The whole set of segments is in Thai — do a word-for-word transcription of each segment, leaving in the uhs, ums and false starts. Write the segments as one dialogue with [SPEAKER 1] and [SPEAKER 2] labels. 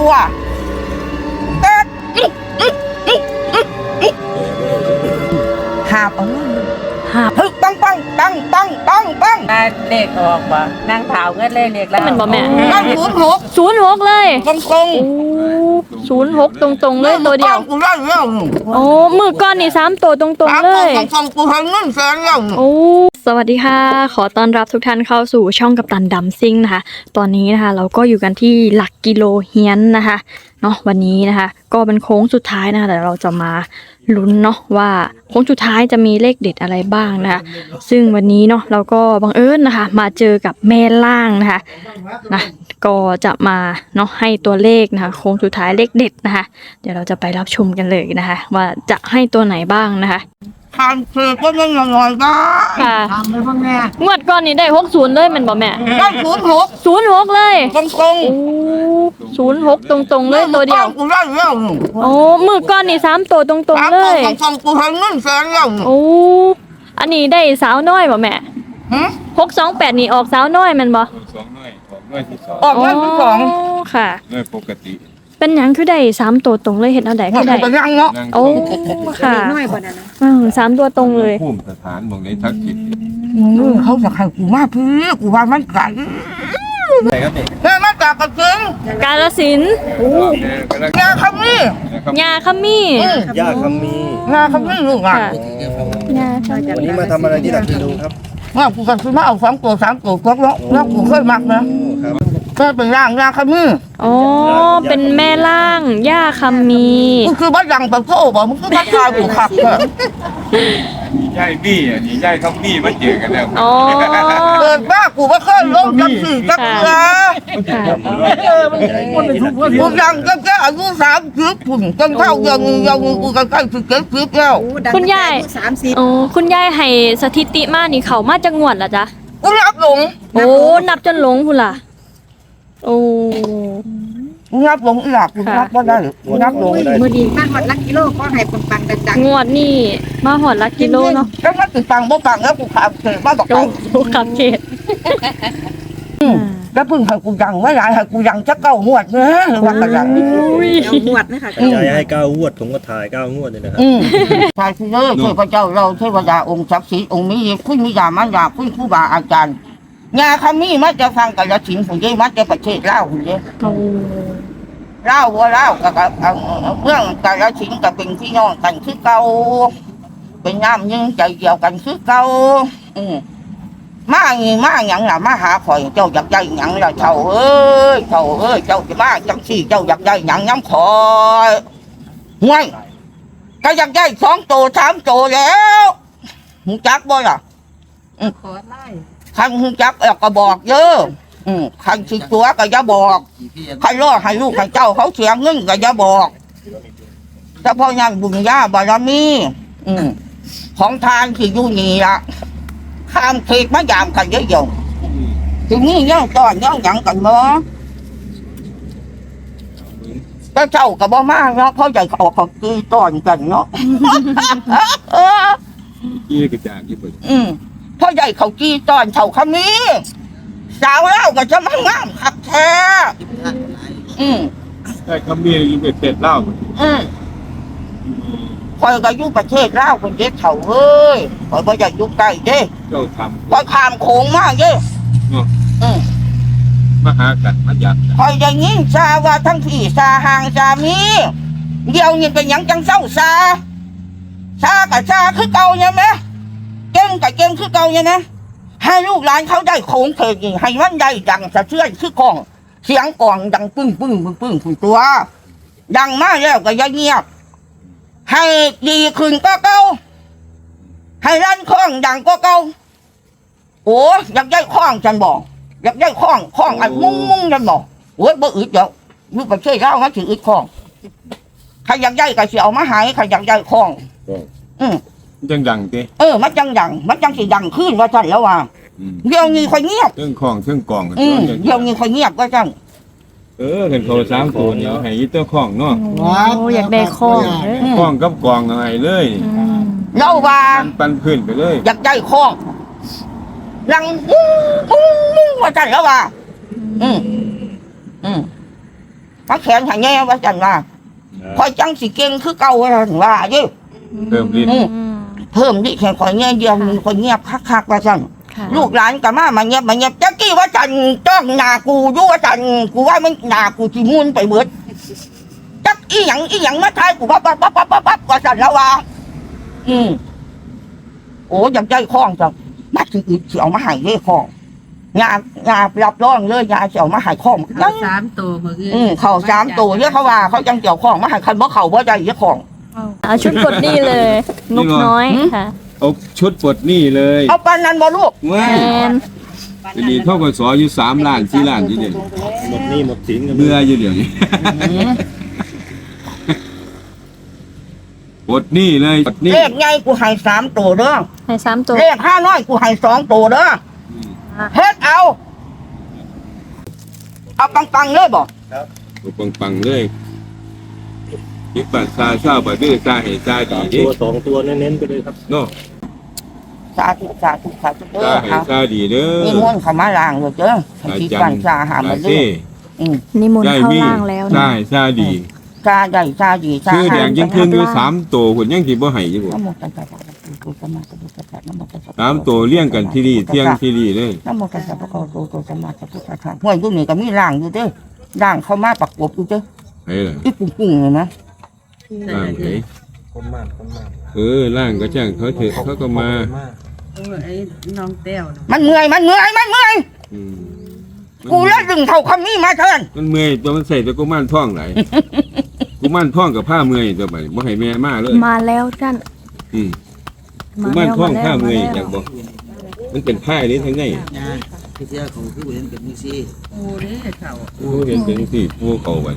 [SPEAKER 1] ตัวเต็ดหาบเอาหาบฮึปังปังปังปังปังปัง
[SPEAKER 2] เลขออกบ่นั่งเท้าเงินเลยเลขแล้ว
[SPEAKER 3] มันบ่แม่
[SPEAKER 1] นั่งศูนย์หก
[SPEAKER 3] ศูนย์หกเลย
[SPEAKER 1] ตรงตรง
[SPEAKER 3] ศูนย์หกตรงตรงเลยตัวเดียว
[SPEAKER 1] กูได้แล้ว
[SPEAKER 3] โอ้มือก้อนนี่สามตัวตรงตรงเลย
[SPEAKER 1] ตรงตรงกูให้เงินแสนแล้ว
[SPEAKER 3] โอ้สวัสดีค่ะขอต้อนรับทุกท่านเข้าสู่ช่องกัปตันดัมซิ่งนะคะตอนนี้นะคะเราก็อยู่กันที่หลักกิโลเฮียนนะคะเนาะวันนี้นะคะก็เป็นโค้งสุดท้ายนะคะแต่เราจะมาลุ้นเนาะว่าโค้งสุดท้ายจะมีเลขเด็ดอะไรบ้างนะคะซึ่งวันนี้เนาะเราก็บังเอิญนะคะมาเจอกับแม่ล่างนะคะนะก็จะมาเนาะให้ตัวเลขนะคะโค้งสุดท้ายเลขเด็ดนะคะเดี๋ยวเราจะไปรับชมกันเลยนะคะว่าจะให้ตัวไหนบ้างนะคะ
[SPEAKER 1] ทานเพื่อก็ยังลอยบ้า
[SPEAKER 3] ค่ะ
[SPEAKER 1] ทำเลยพ่อแม่
[SPEAKER 3] งวดก่อนนี้ได้หกศูนย์เลยมันบอกแม่
[SPEAKER 1] ได้ศูนย์หก
[SPEAKER 3] ศูนย์หกเลย
[SPEAKER 1] ตรงตรง
[SPEAKER 3] ศูนย์หกตรงตรงเลยตัวเดียว
[SPEAKER 1] กูได้แล้ว
[SPEAKER 3] โอ้มือก้อนนี่สามตัวตรงตรงเลย
[SPEAKER 1] ตรงตรงกูให้เงินแสนแล้ว
[SPEAKER 3] โอ้อันนี้ได้สาวน้อยบ่แม่หกสองแปดนี่ออกสาวน้อยมันบ่
[SPEAKER 4] สองน้อยออกน้อยที่สอง
[SPEAKER 1] ออกน้อยที่สอง
[SPEAKER 3] ค่ะ
[SPEAKER 4] น้อยปกติ
[SPEAKER 3] เป็นหยังคือได้สามตัวตรงเลยเห็นเอาได้คือได้
[SPEAKER 1] ยังเนาะ
[SPEAKER 3] โอ้ค่ะน้อยกว่านั้นนะอืมสามตัวตรงเลย
[SPEAKER 4] ภูมิสถานบอกในทักษิณ
[SPEAKER 1] เขาจะให้กูมาพี่กูว่ามันไก่
[SPEAKER 4] ใช่ครับเด็ก
[SPEAKER 1] เฮ้ยมาจากกระเจิง
[SPEAKER 3] กาฬสินธุ์
[SPEAKER 1] ยาคำมี่
[SPEAKER 3] ยาคำมี่
[SPEAKER 5] ยาคำมี่
[SPEAKER 1] ยาคำมี่ลูกอ่ะ
[SPEAKER 3] ยา
[SPEAKER 5] วันนี้มาทำอะไรที่หลักกิโลครับ
[SPEAKER 1] ว่ากูกันคือมาเอาสองตัวสามตัวครบแล้วแล้วกูเคยมักนะก็เป็นร่างยาคำมี่
[SPEAKER 3] อ๋อเป็นแม่ล่างย่าคำมี
[SPEAKER 1] มึงคือบ้านยังแบบพ่อบอกมึงคือบ้านชายกูขับเถอะ
[SPEAKER 4] ย่ายบี้อ่ะนี่ย่ายคำบี้มาเจอกันแล้ว
[SPEAKER 3] อ๋อ
[SPEAKER 1] เกิดบ้ากูไม่เคยลงจังสี่จังเลยกูยังก็แค่อายุสามสิบปุ่นจังเท่ายังยังกูกันใกล้สิบเจ็ดสิบแล้ว
[SPEAKER 3] คุณยายอ๋อคุณยายให้สถิติมานี่เขามาจากงวดละจ๊ะ
[SPEAKER 1] กูนับหลง
[SPEAKER 3] โอ้นับจนหลงคุณล่ะโอ้
[SPEAKER 1] งับลงอีหลักงับว่าได้งับลง
[SPEAKER 2] มือดีมาหอดลักกิโลก็ให้ปังปังจัง
[SPEAKER 3] งวดนี่มาหอดลักกิโลเนาะ
[SPEAKER 1] แล้วถ้าติดปังบ่ปังแล้วกูขับเขตมาบอกกัน
[SPEAKER 3] กูขับเขต
[SPEAKER 1] แล้วพึ่งให้กูยังไม่ได้ให้กูยังจะเก้างวดเนอะหรือว่ากันยัง
[SPEAKER 2] งวดนะคะ
[SPEAKER 5] ใจให้เก้างวดผมก็ถ่ายเก้างวดเลยนะครับ
[SPEAKER 1] ใช่ที่เลยเทพเจ้าเราเทวดาองค์ศักดิ์สิทธิ์องค์มีคุณมียามันยาคุณครูบาอาจารย์ยาคำนี้มันจะฟังกับยาฉินผมยี่มันจะประเทศเล่าผมยี่เล่าว่าเล่ากับเรื่องกับยาฉินกับเป็นพี่น้องกันคือเก่าเป็นน้ำยังใจเดียวกันคือเก่ามาอย่างมาอย่างล่ะมาหาข่อยเจ้าอยากได้อย่างล่ะเจ้าเอ้ยเจ้าเอ้ยเจ้าจะมาจังสี่เจ้าอยากได้อย่างย้ำข่อยห่วยก็อยากได้สองตัวสามตัวแล้วหูจักบ่ล่ะ
[SPEAKER 2] ขอไล่
[SPEAKER 1] ขันหูจักเออก็บอกเยอะขันสิตัวก็อย่าบอกใครล่อให้ลูกให้เจ้าเขาเสียเงินก็อย่าบอกแต่พอยังบุญญาบารมีของทานที่อยู่นี่ละข้ามเขตมายามกันเยอะๆทีนี้ย่างตอนย่างหยังกันเนาะแต่เจ้าก็บ่มากเนาะเขาใจเขาเขาตีตอนกันเนาะ
[SPEAKER 4] กี้กระจายญี่ปุ่น
[SPEAKER 1] อืมพ่อใหญ่เขากี้ตอนเขาคำนี้สาวเล่าก็จะมางามขับแท้อืม
[SPEAKER 4] ไอ้คำนี้ยิ่งเป็นเป็ดเล่า
[SPEAKER 1] อืมคอยก็ยุ่ประเทศเล่าคนเด็กเขาเฮ้ยคอยพ่อใหญ่ยุ่ใกล้เด้
[SPEAKER 4] เจ้าทำ
[SPEAKER 1] คอยข้ามโขงมากเด้อืม
[SPEAKER 4] มาหากันมาหยัด
[SPEAKER 1] คอยอย่างนี้ซาว่าทั้งพี่ซาห่างซามีเดียวนี่เป็นยังจังเศร้าซาซากับซาคือเก่าใช่ไหมเก่งกับเก่งคือเก่าเนี่ยนะให้ลูกหลานเขาได้โค้งเขยให้มันได้ดังสะเทือนคือกองเสียงกองดังปึ้งปึ้งปึ้งปึ้งคุยตัวดังมากแล้วก็อย่าเงียบให้ดีขึ้นก็เก่าให้ลั่นคล้องดังก็เก่าโอ้อยากได้คล้องฉันบอกอยากได้คล้องคล้องอันมุ้งมุ้งฉันบอกโอ้ยบ่อึดเดี๋ยวลูกไปช่วยเล่าเขาถืออึดคล้องใครอยากได้ก็เสียเอามาหายใครอยากได้คล้องอืม
[SPEAKER 4] จังดังเต้
[SPEAKER 1] เออมันจังดังมันจังสิดังขึ้นว่าจันแล้วว่าเดี๋ยวนี้ค่อยเงียบ
[SPEAKER 4] เครื่องคล้องเครื่องกอง
[SPEAKER 1] เดี๋ยวนี้ค่อยเงียบว่าจัง
[SPEAKER 4] เออเห็นโทรสามตัวเนี่ยให้ยึดตัวคล้องเนาะ
[SPEAKER 3] โอ้อยากได้คล้อง
[SPEAKER 4] คล้องกับกองอะไรเลย
[SPEAKER 1] เล่าว่า
[SPEAKER 4] ปันพื้นไปเลย
[SPEAKER 1] อยากได้คล้องดังมุ้งมุ้งมุ้งว่าจันแล้วว่าอืมอืมมาแขนให้แน่ว่าจันว่าคอยจังสิเก่งคือเก่าว่าซั่นว่าเด้
[SPEAKER 4] เพิ่มลิ้น
[SPEAKER 1] อืมเพิ่มดิแค่คอยแน่เดียวมีคนเงียบคักๆว่าซั่น
[SPEAKER 3] ค่ะ
[SPEAKER 1] ลูกหลานก็มามาเงียบมาเงียบจักกี้ว่าจันจ้องหน้ากูอยู่ว่าจันกูว่ามันหน้ากูสิมุนไปเบิดจักอีหยังอีหยังมาทายกูปั๊บปั๊บปั๊บปั๊บปั๊บปั๊บว่าจันแล้วว่าอืมโอ้ยังใจคล้องจังมาสิอีกสิเอามาให้เด้คล้องยายารับรองเลยยาสิเอามาให้คล้อง
[SPEAKER 2] เขา
[SPEAKER 1] ยัง
[SPEAKER 2] สามตัวมืออื่น
[SPEAKER 1] อืมเข้าสามตัวเยอะเขาว่าเขาจังเกี่ยวคล้องมาให้คันบ่เข้าบ่ได้เยอะคล้อง
[SPEAKER 3] เอาชุดกดนี่เลยนกน้อยค่ะ
[SPEAKER 4] เอาชุดปลดหนี้เลย
[SPEAKER 1] เอาปานนั้นบ่ลูก
[SPEAKER 4] เมื่อ
[SPEAKER 3] แอน
[SPEAKER 4] ทีนี้เท่ากับสออยู่สามล้านสี่ล้านที่เดียว
[SPEAKER 5] หมดหนี้หมดสินกัน
[SPEAKER 4] เมื่ออยู่เดี๋ยวนี้ปลดหนี้เลยปลดหนี้
[SPEAKER 1] เลขใหญ่กูให้สามตัวเด้อ
[SPEAKER 3] ให้สามตัว
[SPEAKER 1] เลขห้าน้อยกูให้สองตัวเด้อเฮ็ดเอา เอาปังๆเลยบ่
[SPEAKER 4] ปังปังๆเลยยิบปัดซาซาบะดื้อซาเหซาดี
[SPEAKER 5] สาม
[SPEAKER 4] ดิ
[SPEAKER 5] ตัวสองตัวเน้นๆไปเลยครับ
[SPEAKER 4] เนาะ
[SPEAKER 1] สาธุสาธุสาธุเด้
[SPEAKER 4] ซา
[SPEAKER 1] อ
[SPEAKER 4] เห
[SPEAKER 1] ครับ
[SPEAKER 4] ซาดีเด้อ
[SPEAKER 1] นี่ม่วนเข้ามาล้างเลยเด้อให้ที่ปันชาหามาเด้ออืม
[SPEAKER 3] นิมนต์
[SPEAKER 4] ได้
[SPEAKER 3] เข้า
[SPEAKER 4] มี
[SPEAKER 3] ล่างแล้ว
[SPEAKER 4] ซา
[SPEAKER 3] นะ
[SPEAKER 4] เหซาดี
[SPEAKER 1] ชาใหญ่ชาดีชา
[SPEAKER 4] ชื่อแดงยังครึ่งอยู่สามตัวคนยังสิบ่ให้อยู่บ่
[SPEAKER 1] นะโมตัสสะภะคะวะโตสัมมาสัมพุทธัสสะนะโมตัสสะ
[SPEAKER 4] สามตัวเลี้ยงกันที่นี่เที่ยงที่นี่เลย
[SPEAKER 1] นะโมตัสสะภะคะวะโตโตสัมมาสัมพุทธัสสะห้วยอยู่นี่ก็มีล้างอยู่เด้อล้างเข้ามาประกบอยู่เด้อ
[SPEAKER 4] ไอ้ล่ะ
[SPEAKER 1] อีปุ้งๆเลยนะ
[SPEAKER 4] ล่างไผ
[SPEAKER 5] คนมากคนมาก
[SPEAKER 4] เออล่างก็จ้างเขาเถอะเขาก็มา
[SPEAKER 2] โอ้ยไอ้น้องแต้วน่ะ
[SPEAKER 1] มันเมื่อยมันเมื่อยมันเมื่อย
[SPEAKER 4] อืม
[SPEAKER 1] กูแล้วดึงเท่าคำนี้มาเถิน
[SPEAKER 4] มันเมื่อยตัวมันใส่ตัวกูม่านท่องไหลายกูม่านท่องกับผ้าเมื่อยตัวไปบ่ให้แม่มาเลย
[SPEAKER 3] มาแล้วท่าน
[SPEAKER 4] อืมกู
[SPEAKER 3] มา
[SPEAKER 4] ม่าน
[SPEAKER 3] แล้ว
[SPEAKER 4] ท่อง
[SPEAKER 3] มา
[SPEAKER 4] ผ้า
[SPEAKER 3] แล้ว
[SPEAKER 4] เมื่อย
[SPEAKER 3] มา
[SPEAKER 4] อ
[SPEAKER 3] แล้
[SPEAKER 4] ยาว กบอกมันเป็นผ้านี้ทั้งไง
[SPEAKER 6] พี่เจ้าของผู้เห็นเป็นนี่สิ
[SPEAKER 2] โอ้เด้อเขา
[SPEAKER 4] กูเห็นเป็นสิผู้เขาไว้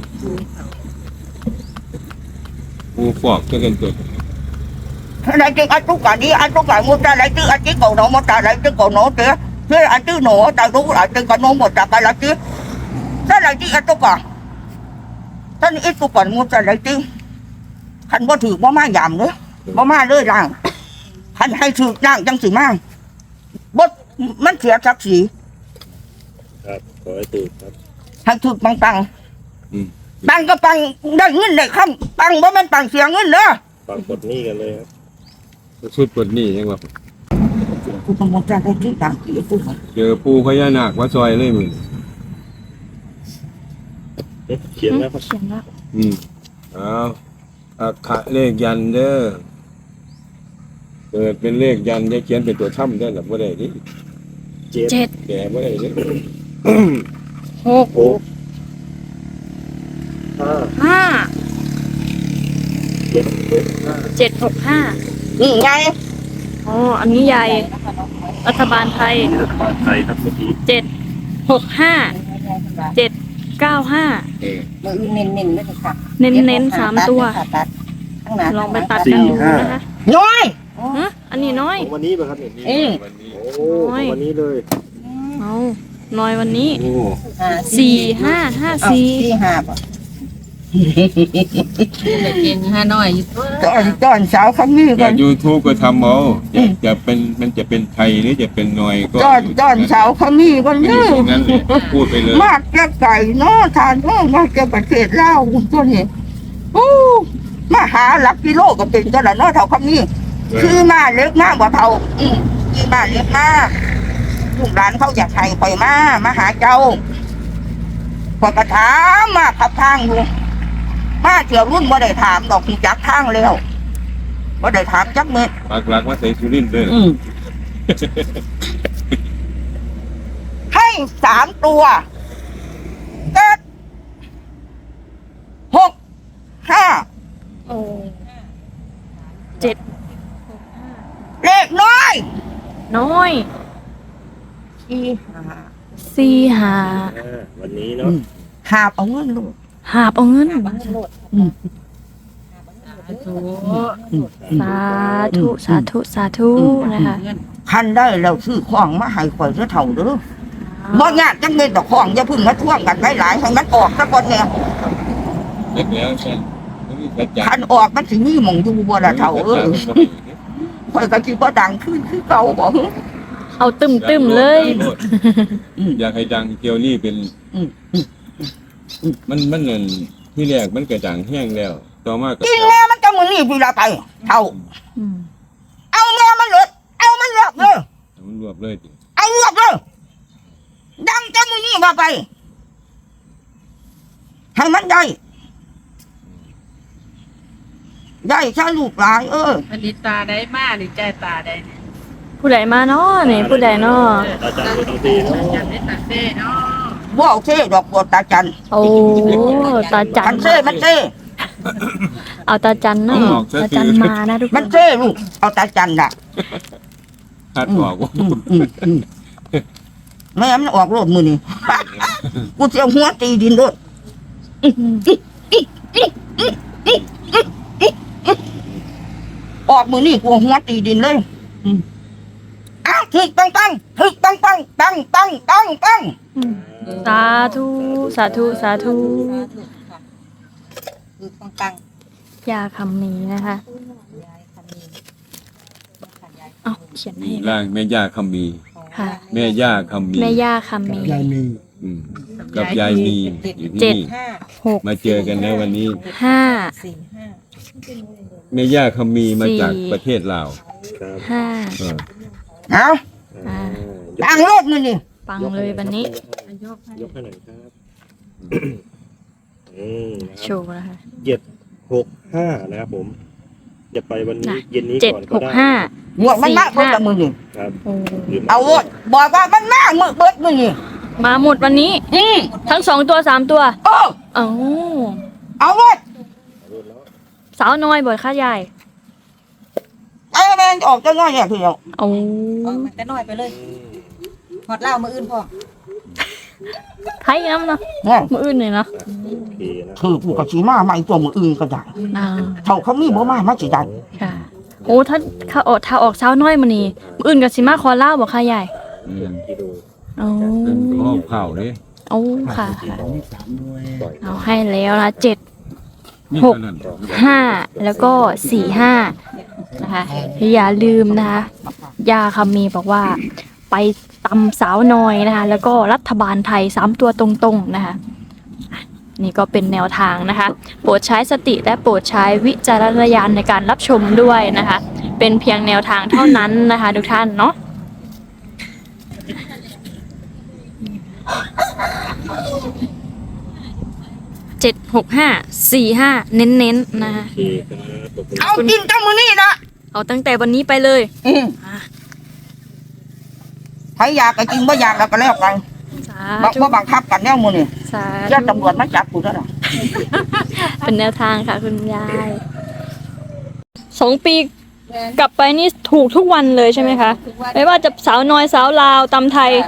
[SPEAKER 4] ผู้ฟอกก็กันตัว
[SPEAKER 1] Đây chứ anh lúc cả đi anh lúc cả mua ta lấy chứ anh chỉ cầu nổ một ta lấy chứ cầu nổ chứ chứ anh chứ nổ ta đúng lại chứ còn nổ một ta cái là chứ ta lấy chứ anh lúc cả ta ít lúc còn mua ta lấy chứ anh có thử có ma giảm nữa có ma rơi làng anh hay thử làng chẳng sự mang bớt mất thiệt chắc gì
[SPEAKER 5] ครับขอให้ถูกครับ
[SPEAKER 1] anh thử bằng bằng
[SPEAKER 4] อืม
[SPEAKER 1] bằng cái bằng đây ngân này không bằng bố mình bằng xiềng ngân nữa
[SPEAKER 5] ฟังกดหนี้กันเลยครับ
[SPEAKER 4] ชุดปลดหนี้ยังว่า
[SPEAKER 1] กูต้องมาจากไอ้ที่ต่างที่กู
[SPEAKER 4] เจอปูพญานาคว่าซอยเลยมึง
[SPEAKER 5] เอ๊ะเขียนแล้วครับ
[SPEAKER 3] เขียนแล้ว
[SPEAKER 4] อืมเอาอักขะเลขยันเด้อเกิดเป็นเลขยันจะเขียนเป็นตัวถ้ำได้หรือบ่ได้ดิ
[SPEAKER 5] เจ็ด
[SPEAKER 3] เจ็ด
[SPEAKER 4] แกบ่ได้ดิ
[SPEAKER 3] หก
[SPEAKER 5] หกห้า
[SPEAKER 3] ห้า
[SPEAKER 5] เจ็ดหกห้า
[SPEAKER 3] เจ็ดหกห้า
[SPEAKER 1] นี่ไง
[SPEAKER 3] อ๋ออันนี้ใหญ่รัฐบาลไทย
[SPEAKER 5] ไทยครับเมื่อกี้
[SPEAKER 3] เจ็ดหกห้าเจ็ดเก้าห้า
[SPEAKER 4] เออ
[SPEAKER 2] มืออื่นเน้นๆเลยค่ะ
[SPEAKER 3] เน้นเน้นๆสามตัว
[SPEAKER 2] ตัดข้างหน้า
[SPEAKER 3] ลองไปตัดกันดูนะคะ
[SPEAKER 1] น้อย
[SPEAKER 3] ฮะอันนี้น้อย
[SPEAKER 5] ของวันนี้ป่ะครับเนี่ย
[SPEAKER 1] อืม
[SPEAKER 4] วันนี้
[SPEAKER 5] โอ้ของวันนี้เลย
[SPEAKER 3] เอาน้อยวันนี้
[SPEAKER 4] โอ้
[SPEAKER 3] สี่ห้าห้า
[SPEAKER 2] เอา
[SPEAKER 3] สี่
[SPEAKER 2] สี่ห้าบ่เก่งห้าน้อยอยู่ตัว
[SPEAKER 1] ตอนตอนเช้าคำนี้
[SPEAKER 4] แต่
[SPEAKER 1] กัน
[SPEAKER 4] ยูทูบก็ทำเอาจะจะเป็นมันจะเป็นไทยหรือจะเป็นนอยก็
[SPEAKER 1] ตอนตอนเช้าคำนี้กัน
[SPEAKER 4] อ
[SPEAKER 1] เน
[SPEAKER 4] ยู่
[SPEAKER 1] อะ
[SPEAKER 4] ตรงนั้นเลยพูดไปเลย
[SPEAKER 1] มากจะไก่เนาะทานเนาะมากจะประเทศลาวตัวนี้โอ้มาหาหลักกิโลก็เป็นตัวละเนาะเท่าคำนี้คือมาเล็กมากกว่าเท่าอืมคือมาเล็กมากลูกหลานเขาอยากให้ไปมามาหาเจ้าพอกระถามมาขับทางอยู่มาเที่ยวรุ่นบ่ได้ถามดอกจักทางแล้วบ่ได้ถามจักเม็ด
[SPEAKER 4] ปากหลักว่าใส่สุรินทร์เลย
[SPEAKER 1] อืม ให้สามตัวเจ็ดหกห้า
[SPEAKER 3] โอ้เจ็ด
[SPEAKER 1] เลขน้อย
[SPEAKER 3] น้อย
[SPEAKER 1] สี่ห้า
[SPEAKER 3] สี่หา
[SPEAKER 5] อ่าวันนี้เนาะ
[SPEAKER 1] หาบเอาเงินลูก
[SPEAKER 3] หาบเอาเงิน
[SPEAKER 1] อืม
[SPEAKER 2] ถู
[SPEAKER 1] อืม
[SPEAKER 3] สาธุสาธุสาธุนะคะ
[SPEAKER 1] คันได้แล้วซื้อของมาให้ข่อยซะเท่าเด้อบ่ยากจังเลยดอกของอย่าเพึ่งมาท่วงกันหลายๆให้มันออกซะก่อนเนี่ย
[SPEAKER 4] เล็กแล้วใช่ไม่มีสัจจะ
[SPEAKER 1] คันออกมันสิมีหม่องอยู่บ่ล่ะเท่าเอ้ยข่อยก็สิบ่ดังขึ้นคือเก่าบ่
[SPEAKER 3] เอาตึมตึมๆเลย
[SPEAKER 1] อืม
[SPEAKER 4] อยากให้ดังเกียวนี่เป็น
[SPEAKER 1] อืมอืม
[SPEAKER 4] มันมันนั่นที่แรกมันกระจ่างแห้งแล้วต่อมาก็
[SPEAKER 1] กินแม่มันจะมือนี่พี่ละไปเท่า
[SPEAKER 3] อืม
[SPEAKER 1] เอาแม่มันเลยเอามันรวบเลย
[SPEAKER 4] มันรวบเลยติ
[SPEAKER 1] เอารวบเลยดังจะมือนี่มาไปให้มันได้ได้ใช่ลูกหลานเออ
[SPEAKER 2] อันนี้ตาได้มากนี่ใจตาได้เนี่ย
[SPEAKER 3] ผู้ใดมาเนาะนี่ผู้ใดเนาะ
[SPEAKER 5] อาจารย์ดูดีเนาะ
[SPEAKER 2] อยากได้ตาเต้เนาะ
[SPEAKER 1] บ่เอาเซ่ดอกบัวตาจัน
[SPEAKER 3] โอ้ตาจั
[SPEAKER 1] มัน นเซ่มันเซ่
[SPEAKER 3] เอาตาจันเนาะตาจันมานะทุกค
[SPEAKER 1] มัน
[SPEAKER 3] น
[SPEAKER 1] เซ่ลูกเอาตาจันน่ะ
[SPEAKER 4] คาดออกว่า
[SPEAKER 1] อืมอืมอืมแม่มันออกโลดมือนี่ กูเสียวหัวตีดินโลด ออกมือนี่กูหัวตีดินเลยอืมอ้าวถึกตั้งตั้งถึกตั้งตั้งตั้งตั้งตั้งตั้ง
[SPEAKER 3] อืมสาธุสาธุสาธุ
[SPEAKER 2] คือต้องตั้ง
[SPEAKER 3] ยาคำนี้นะคะ
[SPEAKER 2] ยายคำนี้
[SPEAKER 3] เอาเขียนให้
[SPEAKER 4] ร่างแม่ย่าคำมี
[SPEAKER 3] ค่ะ
[SPEAKER 4] แม่ย่าคำมี
[SPEAKER 3] แม่ย่าคำนี้
[SPEAKER 4] อืมกับยายมีอยู่ที่
[SPEAKER 3] เจ็ด
[SPEAKER 4] นี่
[SPEAKER 2] ห้า
[SPEAKER 3] หก
[SPEAKER 4] มาเจอกันแล้ววันนี้
[SPEAKER 3] ห้า
[SPEAKER 2] สี่ห้า
[SPEAKER 4] แม่ย่าคำมีมา
[SPEAKER 3] สี่
[SPEAKER 4] จากประเทศลาว
[SPEAKER 5] ครับ
[SPEAKER 3] ห้า
[SPEAKER 4] เออ
[SPEAKER 1] เอา
[SPEAKER 3] อ่า
[SPEAKER 1] ตั้งโลดมือนี่
[SPEAKER 3] ปังเลยวันนี้
[SPEAKER 2] ยกให้
[SPEAKER 5] ยกให้หน่อยครับอืมนะค
[SPEAKER 3] โช
[SPEAKER 5] รับ
[SPEAKER 3] ว์นะคะ
[SPEAKER 5] เจ็ดหกห้านะครับผมจะไปวันนี้
[SPEAKER 3] น่ะ
[SPEAKER 5] เย็นนี้
[SPEAKER 3] เจ็ด
[SPEAKER 5] ก่อน
[SPEAKER 3] ห
[SPEAKER 5] ก็
[SPEAKER 3] ก
[SPEAKER 5] ได้
[SPEAKER 3] ห้า
[SPEAKER 1] หมวดมันมากเบิดละมือนี่
[SPEAKER 5] ครับ
[SPEAKER 3] โอ้
[SPEAKER 5] หรือ
[SPEAKER 1] เอาโลดบอกว่ามันมากมือเบิดมือนี่
[SPEAKER 3] มาหมดวันนี้
[SPEAKER 1] อืม
[SPEAKER 3] ทั้งสองตัวสามตัว
[SPEAKER 1] โอ้
[SPEAKER 3] เอ้า
[SPEAKER 1] เอาโลด
[SPEAKER 3] สาวน้อยบ่อยค่ายาย
[SPEAKER 1] ไอ้แม่งออกจะน้อยเนี่ยพี่เดียว
[SPEAKER 3] โอ้
[SPEAKER 2] เอามันก็น้อยไปเลยหอดเหล้ามืออื่นพ่อ
[SPEAKER 3] ไทยน้ำเนาะ
[SPEAKER 1] เนี่ย
[SPEAKER 3] มืออื่นเลยเนาะ
[SPEAKER 5] โอเคนะ
[SPEAKER 1] คือกูกับชีมาใหม่ตัวมืออื่นก็ได้
[SPEAKER 3] อ่า
[SPEAKER 1] เท่าเขามีบ่มามาสิได้
[SPEAKER 3] ค่ะ โอ้ถ้าถ้าออกถ้าออกสาวน้อยมานี่มืออื่นกับสิมาคอเล่าบ่ค่ายาย
[SPEAKER 4] อืม
[SPEAKER 5] กิโล
[SPEAKER 3] โอ้
[SPEAKER 4] เป็นข้อเผาเลย
[SPEAKER 3] โอ้ค่ะค่ะ
[SPEAKER 6] สามหน่วย
[SPEAKER 5] ปล่อย
[SPEAKER 3] เอาให้แล้วนะเจ็ด
[SPEAKER 4] นี่
[SPEAKER 3] หก
[SPEAKER 4] เท่านั้น
[SPEAKER 3] ห้าแล้วก็สี่ห้านะคะอย่าลืมนะคะยาคำมีบอกว่า ไปตำสาวน้อยนะคะ แล้วก็รัฐบาลไทยสามตัวตรงๆนะคะอ่ะนี่ก็เป็นแนวทางนะคะ โปรดใช้สติและโปรดใช้วิจารณญาณในการรับชมด้วยนะคะ เป็นเพียงแนวทางเท่านั้นนะคะทุกท่านเนาะเจ็ดหกห้าสี่ห้าเน้นๆนะคะ
[SPEAKER 5] โอเคครับขอบคุณ
[SPEAKER 1] เอากินตั้งมือนี่นะ
[SPEAKER 3] เอาตั้งแต่วันนี้ไปเลย
[SPEAKER 1] อืมใครอยากก็กินบ่อยากแล้วก็แล้วกัน
[SPEAKER 3] สา
[SPEAKER 1] บัง
[SPEAKER 3] ธุ
[SPEAKER 1] บ่บังคับกันแนวมือนี่
[SPEAKER 3] สา
[SPEAKER 1] ญาติ
[SPEAKER 3] ธุ
[SPEAKER 1] ตำรวจมาจับกูแล้วล่ะ
[SPEAKER 3] เป็นแนวทางค่ะคุณยายสองปีกลับไปนี่ถูกทุกวันเลยใช่ไหมคะ ไม่ว่าจะสาวน้อยสาวลาวตำไทย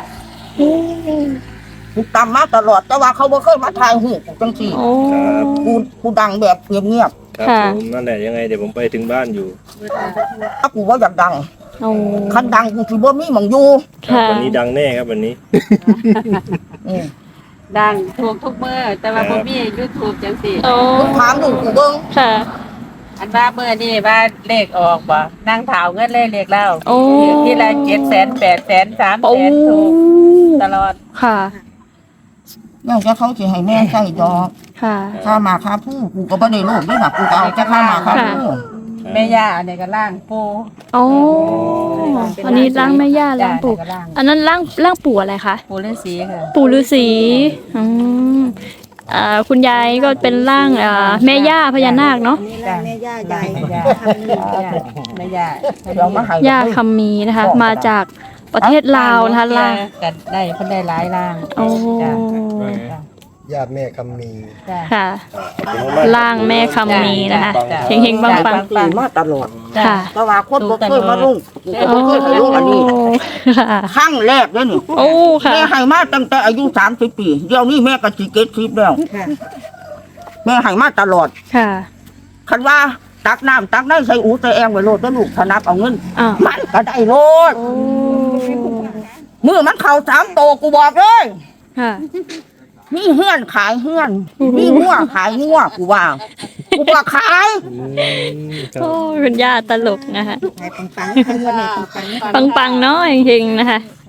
[SPEAKER 1] กูตามมาตลอดแต่ว่าเขาบ่เคยมาถ่ายหูกูจังซี่
[SPEAKER 3] โอ้
[SPEAKER 1] กูกูดังแบบเงียบ
[SPEAKER 5] ครับ
[SPEAKER 3] ค่ะ
[SPEAKER 5] ผมนั่นแหละยังไงเดี๋ยวผมไปถึงบ้านอยู่
[SPEAKER 1] ๆถ้ากูว่าอยากดัง
[SPEAKER 3] โอ้
[SPEAKER 1] คันดังกูสิบ่มีหม่องอยู่
[SPEAKER 3] ค่ะ
[SPEAKER 5] วันนี้ดังแน่ครับวันนี้
[SPEAKER 1] อืม
[SPEAKER 2] ดังถูกทุกเมื่อแต่ว่าบ่มียูทูบจังสิ
[SPEAKER 3] โอ้
[SPEAKER 1] มึงถามดูกูเบิ่ง
[SPEAKER 3] ค่ะ
[SPEAKER 2] อันว่าเมื่อนี่ว่าเลขออกบ่นั่งเผาเงินเลยเลขเล่า
[SPEAKER 3] โอ้
[SPEAKER 2] ที่ละเจ็ดแสนแปดแสนสาม
[SPEAKER 3] โอ้
[SPEAKER 2] แสนถูกตลอด
[SPEAKER 3] ค่ะ
[SPEAKER 1] นอกจากเขาสิให้แม่ใช้ดอก
[SPEAKER 3] ค่ะ
[SPEAKER 1] ค่ามาค่าผู้กูก็บ่ได้โลภด้วยนะกูก็เอาแค่ค่ามาค่าผู้
[SPEAKER 2] แม่ย่าอันนี้ก็ล่างปู
[SPEAKER 3] โอ้อันนี้ร่างแม่ย่าร่างปู่
[SPEAKER 2] จ้ะก็ล่าง
[SPEAKER 3] อันนั้นร่างร่างปู่อะไรคะ
[SPEAKER 2] ปูฤาษีค่ะ
[SPEAKER 3] ปู่ฤาษีอืมอ่าคุณยายก็เป็นร่างอ่าแม่ย่าพญานาคเนาะ
[SPEAKER 2] จ้ะแม่ย่าใหญ่แม่ย่าแม่ย่า
[SPEAKER 1] เดี๋ยวมาให้
[SPEAKER 3] ย่าคำมีนะคะ มาจากประเทศลาวนะคะล่าง
[SPEAKER 2] กันได้เพิ่นได้หลายล่าง
[SPEAKER 3] โอ้
[SPEAKER 2] จ้ะ
[SPEAKER 6] ญาติแม่คำมี
[SPEAKER 2] จ้ะ
[SPEAKER 3] ค่ะ
[SPEAKER 5] ขอบคุณมากๆ
[SPEAKER 3] ล่างแม่คำมีนะคะ
[SPEAKER 2] จ้ะ
[SPEAKER 3] เฮงๆปัง
[SPEAKER 1] ตีมาตลอด
[SPEAKER 3] ๆค่ะ
[SPEAKER 1] แต่ว่าคนบ่เคยมาลงกูก็
[SPEAKER 3] โอ้
[SPEAKER 1] บ่เคยให้ลงอันนี้
[SPEAKER 3] ค่ะ
[SPEAKER 1] ครั้งแรกเลยนี่
[SPEAKER 3] โอ้ค่ะ
[SPEAKER 1] แม่ให้มาตั้งแต่อายุสามสิบปีเดี๋ยวนี้แม่ก็สิเก็ดสิบแล้ว
[SPEAKER 2] ค่ะ
[SPEAKER 1] แม่ให้มาตลอด
[SPEAKER 3] ค่ะ
[SPEAKER 1] คันว่าตักน้ำตักได้ใส่อูใส่แองไว้โลดแล้วลูกถนับเอาเงิน
[SPEAKER 3] อ้าว
[SPEAKER 1] มันก็ได้โลด
[SPEAKER 3] โอ้
[SPEAKER 1] มือมันเข่าสามโตกูบอกเลย
[SPEAKER 3] ค่ะ
[SPEAKER 1] มีเฮือนขายเฮือน มีงัวขายงัวกูว่ากูว่าขาย
[SPEAKER 5] อืมครับ
[SPEAKER 3] โอ้คุณย่าตลกนะคะ
[SPEAKER 2] ให้ปังๆให้เงินให้ปังๆ
[SPEAKER 3] ปังๆเนาะเฮงๆนะคะ